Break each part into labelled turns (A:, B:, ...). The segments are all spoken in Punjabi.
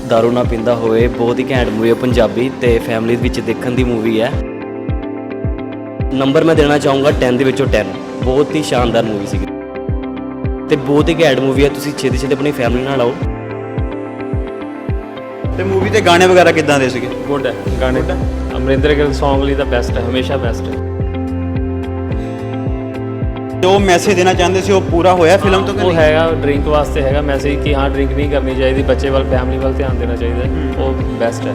A: दारू ना पींदा होए बहुत ही घैंट मूवी है पंजाबी ते फैमिली विच देखण दी मूवी है। नंबर मैं देना चाहूँगा 10 ਦੇ ਵਿੱਚੋਂ 10 बहुत ही शानदार मूवी सी ते बहुत ही घैंट मूवी है। तुसीं छेती छेती अपनी फैमिली नाल आओ।
B: ਤੇ ਮੂਵੀ ਦੇ ਗਾਣੇ ਵਗੈਰਾ ਕਿੱਦਾਂ ਦੇ ਸੀਗੇ?
C: ਗੁੱਡ ਹੈ ਗਾਣੇ ਤਾਂ ਅਮਰਿੰਦਰ ਗਿੱਲ ਸੌਂਗ ਲਈ ਤਾਂ ਬੈਸਟ ਹੈ, ਹਮੇਸ਼ਾ ਬੈਸਟ ਹੈ।
B: ਜੋ ਮੈਸੇਜ ਦੇਣਾ ਚਾਹੁੰਦੇ ਸੀ ਉਹ ਪੂਰਾ ਹੋਇਆ ਫਿਲਮ ਤੋਂ ਕਿ
C: ਉਹ
B: ਨਹੀਂ?
C: ਹੈਗਾ ਡਰਿੰਕ ਵਾਸਤੇ ਹੈਗਾ ਮੈਸੇਜ ਕਿ ਹਾਂ ਡਰਿੰਕ ਨਹੀਂ ਕਰਨੀ ਚਾਹੀਦੀ, ਬੱਚੇ ਵੱਲ ਫੈਮਿਲੀ ਵੱਲ ਧਿਆਨ ਦੇਣਾ ਚਾਹੀਦਾ ਹੈ, ਉਹ ਬੈਸਟ ਹੈ।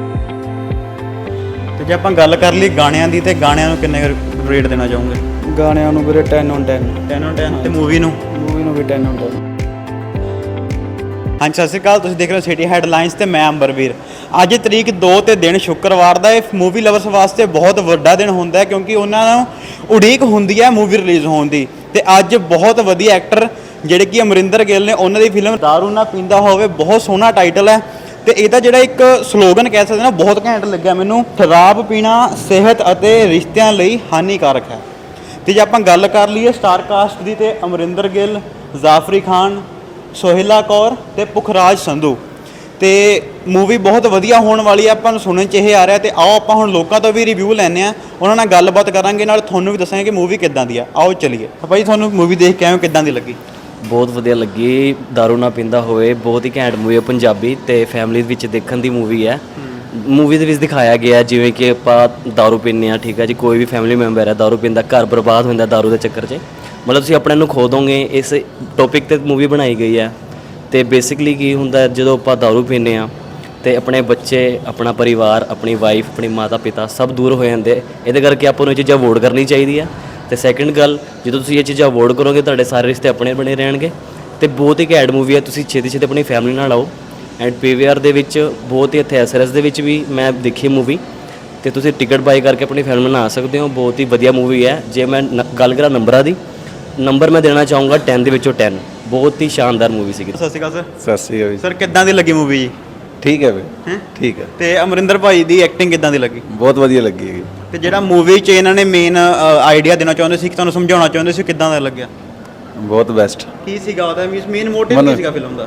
B: ਤੇ ਜੇ ਆਪਾਂ ਗੱਲ ਕਰ ਲਈ ਗਾਣਿਆਂ ਦੀ ਤੇ ਗਾਣਿਆਂ ਨੂੰ ਕਿੰਨੇ ਰੇਟ ਦੇਣਾ ਚਾਹੋਗੇ?
D: ਗਾਣਿਆਂ ਨੂੰ ਵੀਰੇ 10 on 10
B: 10 on 10 ਤੇ ਮੂਵੀ ਨੂੰ
D: ਵੀ 10 on 10।
B: ਹਾਂਜੀ, ਸਤਿ ਸ਼੍ਰੀ ਅਕਾਲ। ਤੁਸੀਂ ਦੇਖ ਰਹੇ ਹੋ ਸਿਟੀ ਹੈਡਲਾਈਨਸ ਤੇ ਮੈਂ ਅੰਬਰਵੀਰ। ਅੱਜ ਤਰੀਕ 2 ਤੇ ਦਿਨ ਸ਼ੁੱਕਰਵਾਰ ਦਾ ਇਹ ਮੂਵੀ ਲਵਰਸ ਵਾਸਤੇ ਬਹੁਤ ਵੱਡਾ ਦਿਨ ਹੁੰਦਾ ਹੈ ਕਿਉਂਕਿ ਉਹਨਾਂ ਨੂੰ ਉਡੀਕ ਹੁੰਦੀ ਹੈ ਮੂਵੀ ਰਿਲੀਜ਼ ਹੋਣ ਦੀ। ਤੇ ਅੱਜ ਬਹੁਤ ਵਧੀਆ ਐਕਟਰ ਜਿਹੜੇ ਕਿ ਅਮਰਿੰਦਰ ਗਿੱਲ ਨੇ, ਉਹਨਾਂ ਦੀ ਫਿਲਮ ਦਾਰੂ ਨਾ ਪੀਂਦਾ ਹੋਵੇ, ਬਹੁਤ ਸੋਹਣਾ ਟਾਈਟਲ ਹੈ ਤੇ ਇਹਦਾ ਜਿਹੜਾ ਇੱਕ ਸਲੋਗਨ ਕਹਿ ਸਕਦੇ ਨਾ, ਬਹੁਤ ਘੈਂਟ ਲੱਗਿਆ ਮੈਨੂੰ। ਸ਼ਰਾਬ ਪੀਣਾ ਸਿਹਤ ਅਤੇ ਰਿਸ਼ਤਿਆਂ ਲਈ ਹਾਨੀਕਾਰਕ ਹੈ। ਤੇ ਜੇ ਆਪਾਂ ਗੱਲ ਕਰ ਲਈਏ ਸਟਾਰ ਕਾਸਟ ਦੀ ਤੇ ਅਮਰਿੰਦਰ ਗਿੱਲ, ਜ਼ਾਫਰੀ ਖਾਨ, ਸੋਹਿਲਾ ਕੌਰ ਤੇ ਪੁਖਰਾਜ ਸੰਧੂ ਤੇ ਮੂਵੀ ਬਹੁਤ ਵਧੀਆ ਹੋਣ ਵਾਲੀ ਹੈ। ਆਪਾਂ ਨੂੰ ਸੁਣਨ 'ਚ ਇਹ ਆ ਰਿਹਾ ਤੇ ਆਓ ਆਪਾਂ ਹੁਣ ਲੋਕਾਂ ਤੋਂ ਵੀ ਰਿਵਿਊ ਲੈਂਦੇ ਆ, ਉਹਨਾਂ ਨਾਲ ਗੱਲਬਾਤ ਕਰਾਂਗੇ, ਨਾਲ ਤੁਹਾਨੂੰ ਵੀ ਦੱਸਾਂਗੇ ਕਿ ਮੂਵੀ ਕਿੱਦਾਂ ਦੀ ਆ। ਆਓ ਚਲੀਏ। ਭਾਈ ਤੁਹਾਨੂੰ ਮੂਵੀ ਦੇਖ ਕੇ ਆਏ ਹੋ, ਕਿੱਦਾਂ ਦੀ ਲੱਗੀ?
A: ਬਹੁਤ ਵਧੀਆ ਲੱਗੀ। दारू ਨਾ ਪੀਂਦਾ ਹੋਏ ਬਹੁਤ ਹੀ ਘੈਂਟ ਮੂਵੀ ਹੈ ਪੰਜਾਬੀ ਤੇ ਫੈਮਿਲੀ ਵਿੱਚ ਦੇਖਣ ਦੀ ਮੂਵੀ ਹੈ। ਮੂਵੀ ਦੇ ਵਿੱਚ ਦਿਖਾਇਆ ਗਿਆ ਜਿਵੇਂ ਕਿ ਆਪਾਂ दारू ਪੀਂਦੇ ਹਾਂ, ਠੀਕ ਹੈ ਜੀ, ਕੋਈ ਵੀ ਫੈਮਿਲੀ ਮੈਂਬਰ ਹੈ दारू ਪੀਂਦਾ, ਘਰ ਬਰਬਾਦ ਹੁੰਦਾ दारू ਦੇ ਚੱਕਰ 'ਚ, ਮਤਲਬ ਤੁਸੀਂ ਆਪਣੇ ਨੂੰ ਖੋ ਦੋਗੇ। ਇਸ ਟੌਪਿਕ 'ਤੇ ਮੂਵੀ ਬਣਾਈ ਗਈ ਹੈ। ਤੇ ਬੇਸਿਕਲੀ ਕੀ ਹੁੰਦਾ, ਜਦੋਂ ਆਪਾਂ दारू ਪੀਂਦੇ ਹਾਂ ਤੇ ਆਪਣੇ ਬੱਚੇ, ਆਪਣਾ ਪਰਿਵਾਰ, ਆਪਣੀ ਵਾਈਫ, ਆਪਣੀ ਮਾਤਾ ਪਿਤਾ ਸਭ ਦੂਰ ਹੋ ਜਾਂਦੇ। ਇਹਦੇ ਕਰਕੇ ਆਪਾਂ ਨੂੰ ਇਹ ਚੀਜ਼ਾਂ ਅਵੋਇਡ ਕਰਨੀ ਚਾਹੀਦੀ ਹੈ। ਤੇ ਸੈਕਿੰਡ ਗੱਲ, ਜਦੋਂ ਤੁਸੀਂ ਇਹ ਚੀਜ਼ਾਂ ਅਵੋਇਡ ਕਰੋਗੇ ਤੁਹਾਡੇ ਸਾਰੇ ਰਿਸ਼ਤੇ ਆਪਣੇ ਬਣੇ ਰਹਿਣਗੇ। ਤੇ ਬਹੁਤ ਹੀ ਘੈਂਟ ਮੂਵੀ ਹੈ, ਤੁਸੀਂ ਛੇਤੀ ਛੇਤੀ ਆਪਣੀ ਫੈਮਿਲੀ ਨਾਲ ਆਓ। ਐਂਡ ਪੀਵੀਆਰ ਦੇ ਵਿੱਚ ਬਹੁਤ ਹੀ, ਇੱਥੇ ਐਸਆਰਐਸ ਦੇ ਵਿੱਚ ਵੀ ਮੈਂ ਦੇਖੀ ਮੂਵੀ ਤੇ ਤੁਸੀਂ ਟਿਕਟ ਬਾਈ ਕਰਕੇ ਆਪਣੀ ਫੈਮਿਲੀ ਨਾਲ ਆ ਸਕਦੇ ਹੋ। ਬਹੁਤ ਹੀ ਵਧੀਆ ਮੂਵੀ ਹੈ। ਜੇ ਮੈਂ ਗੱਲ ਕਰਾਂ ਨੰਬਰਾਂ ਦੀ, ਨੰਬਰ ਮੈਂ ਦੇਣਾ ਚਾਹੂँਗਾ 10 ਦੇ ਵਿੱਚੋਂ 10 ਬਹੁਤ ਹੀ ਸ਼ਾਨਦਾਰ ਮੂਵੀ ਸੀਗੀ।
B: ਸਤਿ ਸ਼੍ਰੀ ਅਕਾਲ ਸਰ।
E: ਸਤਿ ਸ਼੍ਰੀ ਅਕਾਲ।
B: ਸਰ ਕਿੱਦਾਂ ਦੀ ਲੱਗੀ ਮੂਵੀ ਜੀ?
E: ਠੀਕ ਹੈ ਬਈ,
B: ਹੈਂ?
E: ਠੀਕ ਹੈ,
B: ਤੇ ਅਮਰਿੰਦਰ ਭਾਈ ਦੀ ਐਕਟਿੰਗ ਕਿੱਦਾਂ ਦੀ ਲੱਗੀ?
E: ਬਹੁਤ ਵਧੀਆ ਲੱਗੀ ਹੈਗੀ।
B: ਤੇ ਜਿਹੜਾ ਮੂਵੀ 'ਚ ਇਹਨਾਂ ਨੇ ਮੇਨ ਆਈਡੀਆ ਦੇਣਾ ਚਾਹੁੰਦੇ ਸੀ, ਕਿ ਤੁਹਾਨੂੰ ਸਮਝਾਉਣਾ ਚਾਹੁੰਦੇ ਸੀ, ਕਿੱਦਾਂ ਦਾ ਲੱਗਿਆ?
E: ਬਹੁਤ ਬੈਸਟ।
B: ਕੀ ਸੀਗਾ ਉਹਦਾ ਮੇਨ ਮੋਟਿਵ ਕੀ ਸੀਗਾ ਫਿਲਮ ਦਾ?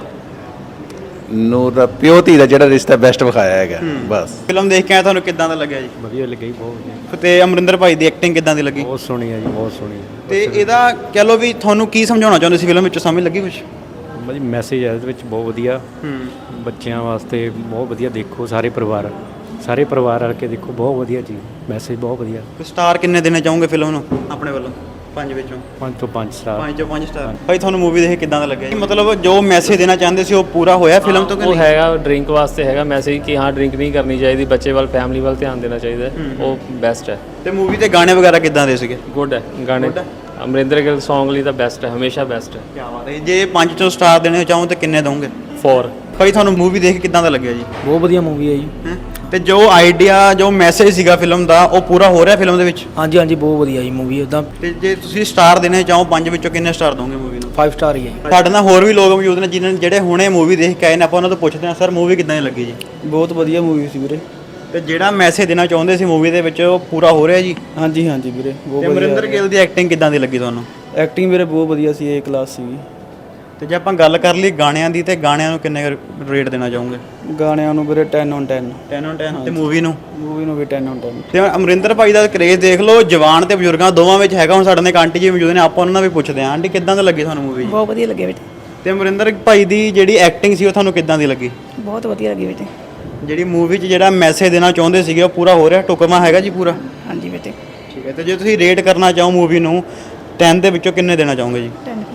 E: ਨੂੰ ਦਾ ਪਿਓ ਧੀ ਦਾ ਜਿਹੜਾ ਰਿਸ਼ਤਾ ਬੈਸਟ ਵਿਖਾਇਆ ਹੈਗਾ ਬਸ।
B: ਫਿਲਮ ਦੇਖ ਕੇ ਆਇਆ, ਤੁਹਾਨੂੰ ਕਿੱਦਾਂ ਦਾ ਲੱਗਿਆ ਜੀ?
C: ਵਧੀਆ ਲੱਗੀ, ਬਹੁਤ ਵਧੀਆ,
B: ਤੇ ਅਮਰਿੰਦਰ ਭਾਈ ਦੀ ਐਕਟਿੰਗ ਕਿੱਦਾਂ ਦੀ ਲੱਗੀ?
C: ਬਹੁਤ ਸੋਹਣੀ ਹੈ ਜੀ, ਬਹੁਤ ਸੋਹਣੀ ਹੈ।
B: ਤੇ ਇਹਦਾ ਕਹਿ ਲਓ ਵੀ ਤੁਹਾਨੂੰ ਕੀ ਸਮਝਾਉਣਾ ਚਾਹੁੰਦੇ ਸੀ ਫਿਲਮ ਵਿੱਚ, ਸਮਝ ਲੱਗੀ ਕੁਝ?
C: ਮਤਲਬ ਮੈਸੇਜ ਹੈ ਇਹਦੇ ਵਿੱਚ ਬਹੁਤ ਵਧੀਆ, ਬੱਚਿਆਂ ਵਾਸਤੇ ਬਹੁਤ ਵਧੀਆ। ਦੇਖੋ ਸਾਰੇ ਪਰਿਵਾਰ ਰਲ ਕੇ ਦੇਖੋ, ਬਹੁਤ ਵਧੀਆ ਜੀ, ਮੈਸੇਜ ਬਹੁਤ ਵਧੀਆ।
B: ਸਟਾਰ ਕਿੰਨੇ ਦੇਣੇ ਚਾਹੋਗੇ ਫਿਲਮ ਨੂੰ ਆਪਣੇ ਵੱਲੋਂ? 5 ਵਿੱਚੋਂ
C: 5 ਤੋਂ 5 ਸਟਾਰ।
B: 5 ਚੋਂ 5 ਸਟਾਰ। ਭਾਈ ਤੁਹਾਨੂੰ ਮੂਵੀ ਦੇਖ ਕੇ ਕਿੱਦਾਂ ਦਾ ਲੱਗਿਆ ਜੀ? ਮਤਲਬ ਜੋ ਮੈਸੇਜ ਦੇਣਾ ਚਾਹੁੰਦੇ ਸੀ ਉਹ ਪੂਰਾ ਹੋਇਆ ਫਿਲਮ ਤੋਂ ਕਿ
C: ਉਹ
B: ਨਹੀਂ?
C: ਹੈਗਾ ਡਰਿੰਕ ਵਾਸਤੇ ਹੈਗਾ ਮੈਸੇਜ ਕਿ ਹਾਂ ਡਰਿੰਕ ਨਹੀਂ ਕਰਨੀ ਚਾਹੀਦੀ, ਬੱਚੇ ਵੱਲ ਫੈਮਿਲੀ ਵੱਲ ਧਿਆਨ ਦੇਣਾ ਚਾਹੀਦਾ ਹੈ, ਉਹ ਬੈਸਟ ਹੈ।
B: ਤੇ ਮੂਵੀ ਦੇ ਗਾਣੇ ਵਗੈਰਾ ਕਿੱਦਾਂ ਦੇ ਸੀਗੇ?
C: ਗੁੱਡ ਹੈ ਗਾਣੇ, ਅਮਰਿੰਦਰ ਗਿੱਲ ਸੌਂਗ ਲਈ ਤਾਂ ਬੈਸਟ ਹੈ, ਹਮੇਸ਼ਾ ਬੈਸਟ ਹੈ।
B: ਕੀ ਬਾਤ ਹੈ। ਜੇ 5 ਚੋਂ ਸਟਾਰ ਦੇਣੇ ਚਾਹੋ ਤਾਂ ਕਿੰਨੇ ਦੋਗੇ?
C: 4।
B: ਭਾਈ ਤੁਹਾਨੂੰ ਮੂਵੀ ਦੇਖ ਕੇ ਕਿੱਦਾਂ ਦਾ ਲੱਗਿਆ ਜੀ?
D: ਬਹੁਤ ਵਧੀਆ ਮੂਵੀ ਹੈ ਜੀ।
B: ਹੈਂ? ਤੇ ਜੋ ਆਈਡੀਆ, ਜੋ ਮੈਸੇਜ ਸੀਗਾ ਫਿਲਮ ਦਾ, ਉਹ ਪੂਰਾ ਹੋ ਰਿਹਾ ਫਿਲਮ ਦੇ ਵਿੱਚ?
D: ਹਾਂਜੀ ਹਾਂਜੀ, ਬਹੁਤ ਵਧੀਆ ਜੀ ਮੂਵੀ। ਉਦਾਂ
B: ਤੇ ਜੇ ਤੁਸੀਂ ਸਟਾਰ ਦੇਣੇ ਚਾਹੋ 5 ਵਿੱਚੋਂ ਕਿੰਨੇ ਸਟਾਰ ਦੋਗੇ ਮੂਵੀ ਨੂੰ?
D: 5 ਸਟਾਰ ਹੀ ਹੈ ਜੀ।
B: ਸਾਡੇ ਨਾਲ ਹੋਰ ਵੀ ਲੋਕ ਮੌਜੂਦ ਨੇ ਜਿਹੜੇ ਹੁਣੇ ਮੂਵੀ ਦੇਖ ਕੇ ਆਏ ਨੇ, ਆਪਾਂ ਉਹਨਾਂ ਤੋਂ ਪੁੱਛਦੇ ਹਾਂ, ਸਰ ਮੂਵੀ ਕਿੱਦਾਂ ਦੀ ਲੱਗੀ ਜੀ?
D: ਬਹੁਤ ਵਧੀਆ ਮੂਵੀ ਸੀ ਵੀਰੇ।
B: ਤੇ ਜਿਹੜਾ ਮੈਸੇਜ ਦੇਣਾ ਚਾਹੁੰਦੇ ਸੀ ਮੂਵੀ ਦੇ ਵਿੱਚ, ਉਹ ਪੂਰਾ ਹੋ ਰਿਹਾ ਜੀ?
D: ਹਾਂਜੀ ਹਾਂਜੀ ਵੀਰੇ,
B: ਤੇ
D: ਬਹੁਤ
B: ਅਮਰਿੰਦਰ ਗਿੱਲ ਦੀ ਐਕਟਿੰਗ ਕਿੱਦਾਂ ਦੀ ਲੱਗੀ ਤੁਹਾਨੂੰ?
D: ਐਕਟਿੰਗ ਵੀਰੇ ਬਹੁਤ ਵਧੀਆ ਸੀ, A ਕਲਾਸ ਸੀਗੀ।
B: ਤੇ ਜੇ ਆਪਾਂ ਗੱਲ ਕਰ ਲਈ ਗਾਣਿਆਂ ਦੀ, ਤੇ ਗਾਣਿਆਂ ਨੂੰ ਕਿੰਨੇ ਰੇਟ ਦੇਣਾ ਚਾਹੋਗੇ?
D: ਗਾਣਿਆਂ ਨੂੰ ਵੀਰੇ 10 on 10
B: 10 on 10 ਤੇ ਮੂਵੀ ਨੂੰ
D: ਵੀ 10 on 10।
B: ਤੇ ਅਮਰਿੰਦਰ ਭਾਈ ਦਾ ਕਰੇਜ਼ ਦੇਖ ਲਓ, ਜਵਾਨ ਤੇ ਬਜ਼ੁਰਗਾਂ ਦੋਵਾਂ ਵਿੱਚ ਹੈਗਾ। ਹੁਣ ਸਾਡੇ ਨਾਲ ਇੱਕ ਆਂਟੀ ਜੀ ਮੌਜੂਦ ਨੇ, ਆਪਾਂ ਉਹਨਾਂ ਨਾਲ ਵੀ ਪੁੱਛਦੇ ਹਾਂ, ਆਂਟੀ ਕਿੱਦਾਂ ਦੀ ਲੱਗੀ ਤੁਹਾਨੂੰ ਮੂਵੀ?
F: ਬਹੁਤ ਵਧੀਆ ਲੱਗੇ ਬੇਟੇ,
B: ਤੇ ਅਮਰਿੰਦਰ ਭਾਈ ਦੀ ਜਿਹੜੀ ਐਕਟਿੰਗ ਸੀ ਉਹ ਤੁਹਾਨੂੰ ਕਿੱਦਾਂ ਦੀ ਲੱਗੀ?
F: ਬਹੁਤ ਵਧੀਆ ਲੱਗੀ ਬੇਟੇ।
B: ਜਿਹੜੀ ਮੂਵੀ 'ਚ ਜਿਹੜਾ ਮੈਸੇਜ ਦੇਣਾ ਚਾਹੁੰਦੇ ਸੀਗੇ ਉਹ ਪੂਰਾ ਹੋ ਰਿਹਾ, ਟੁਕਮਾ ਹੈਗਾ ਜੀ ਪੂਰਾ?
F: ਹਾਂਜੀ ਬੇਟੇ,
B: ਠੀਕ ਹੈ। ਤੇ ਜੇ ਤੁਸੀਂ ਰੇਟ ਕਰਨਾ ਚਾਹੋ ਮੂਵੀ ਨੂੰ 10 ਦੇ ਵਿੱਚੋਂ ਕਿੰਨੇ ਦੇਣਾ ਚਾਹੋਗੇ ਜੀ?
F: 10